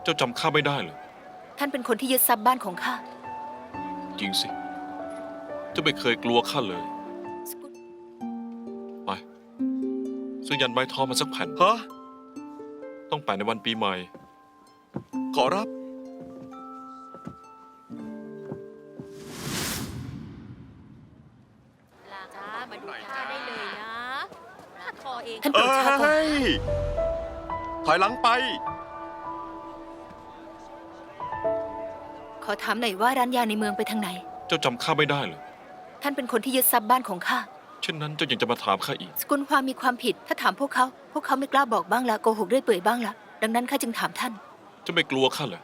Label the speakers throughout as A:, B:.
A: เจ้าจำข้าไม่ได้เหรอ
B: ท่านเป็นคนที่ยึดทรัพย์บ้านของข้า
A: จริงสิเจ้าไม่เคยกลัวข้าเลยไปซื้อยันไม้ท้อมาสักแผ่น
C: ฮะ
A: ต้องแปะในวันปีใหม่
C: ขอรับ
D: จ้ามาดูท่าได้เลยนะลาดคอเอง
B: ท่านโปรดช้าก่อน
C: ถอยหลังไป
B: ขอถามหน่อยว่าร้านยาในเมืองไปทางไหน
A: เจ้าจำข้าไม่ได้เหรอ
B: ท่านเป็นคนที่ยึดทรัพย์บ้านของข้า
A: เช่นนั้นเจ้ายังจะมาถามข้าอีก
B: สกุลความมีความผิดถ้าถามพวกเขาไม่กล้าบอกบ้างละโกหกเรื่อยเปื่อยบ้างละดังนั้นข้าจึงถามท่าน
A: เจ้าไม่กลัวข้าเหรอ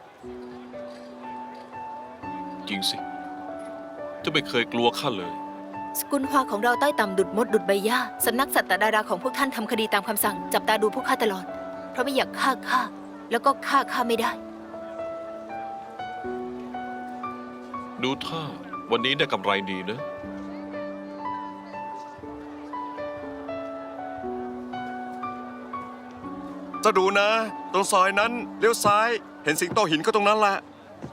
A: จริงสิเจ้าไม่เคยกลัวข้าเลย
B: สกุลฮวาของเราใต้ต่ำดุดมดดุดใบหญ้าสำนักสัตตดาราของพวกท่านทำคดีตามคำสั่งจับตาดูพวกข้าตลอดเพราะไม่อยากฆ่าข้าแล้วก็ฆ่าไม่ได้
A: ดูท่าวันนี้ได้กำไรดีนะ
C: จะดูนะตรงซอยนั้นเลี้ยวซ้ายเห็นสิงโตหินก็ตรงนั้นแหละ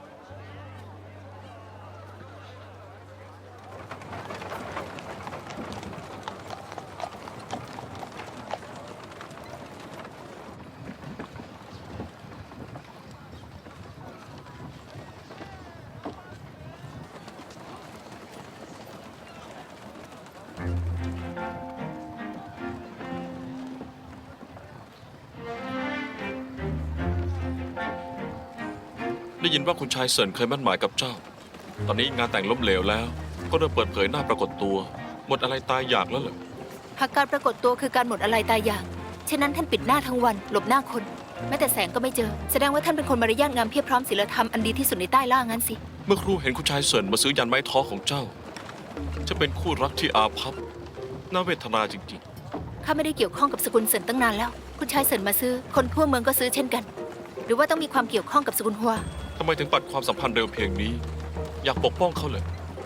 A: ได้ยินว่าคุณชายเซินเคยมั่นหมายกับเจ้าตอนนี้งานแต่งล้มเหลวแล้วก็เริ่มเปิดเผยหน้าปรากฏตัวหมดอะไรตายอยากแล้วเหรอ
B: หากการปรากฏตัวคือการหมดอะไรตายอยากฉะนั้นท่านปิดหน้าทั้งวันหลบหน้าคนแม้แต่แสงก็ไม่เจอแสดงว่าท่านเป็นคนมารยาทงามเพียบพร้อมศีลธรรมอันดีที่สุดในใต้ล่างั้นสิ
A: เมื่อครูเห็นคุณชายเซินมาซื้อยันไม้ท้อของเจ้าจะเป็นคู่รักที่อาภัพน่าเวทนาจริง
B: ๆข้าไม่ได้เกี่ยวข้องกับสกุลเซินตั้งนานแล้วคุณชายเซินมาซื้อคนทั่วเมืองก็ซื้อเช่นกันหรือว่าต้องมีความเกี่ยวข้องกับสกุลฮัว
A: ทำไมถึงปัดความสัมพันธ์เร็วเพียงนี้อยากปกป้องเขาเลย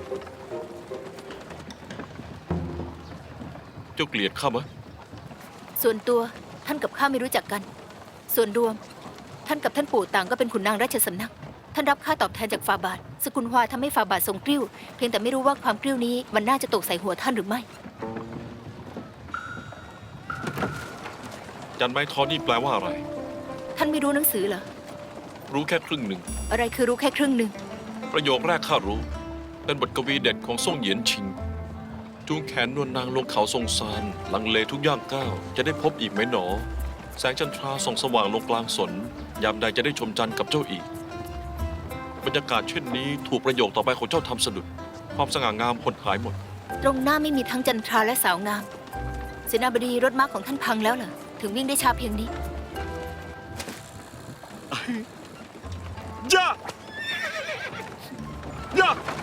A: เจ้าเกลียดข้าไหม
B: ส่วนตัวท่านกับข้าไม่รู้จักกันส่วนรวมท่านกับท่านปู่ต่างก็เป็นขุนนางราชสำนักท่านรับค่าตอบแทนจากฝ่าบาทสกุลฮัวทำให้ฝ่าบาททรงกริ้วเพียงแต่ไม่รู้ว่าความกริ้วนี้มันน่าจะตกใส่หัวท่านหรือไม่
A: ยันไม้ท้อนี่แปลว่าอะไร
B: ท่านไม่รู้หนังสือเหรอ
A: รู้แค่ครึ่งหนึ่ง
B: อะไรคือรู้แค่ครึ่งหนึ่ง
A: ประโยคแรกข้ารู้เป็นบทกวีเด็ดของซ่งเหยียนชิงจูงแขนนวลนางลงเขาทรงซานลังเลทุกย่างก้าวจะได้พบอีกไหมหนอแสงจันทราส่องสว่างลงกลางสนยามใดจะได้ชมจันทร์กับเจ้าอีกบรรยากาศเช่นนี้ถูกประโยคต่อไปของเจ้าทำสะดุดความสง่างามหดหายหมด
B: ตรงหน้าไม่มีทั้งจันทราและสาวงามเสนาบดีรถม้าของท่านพังแล้วเหรอถึงวิ่งได้ช้าเพียงนี้
C: ย่าย่า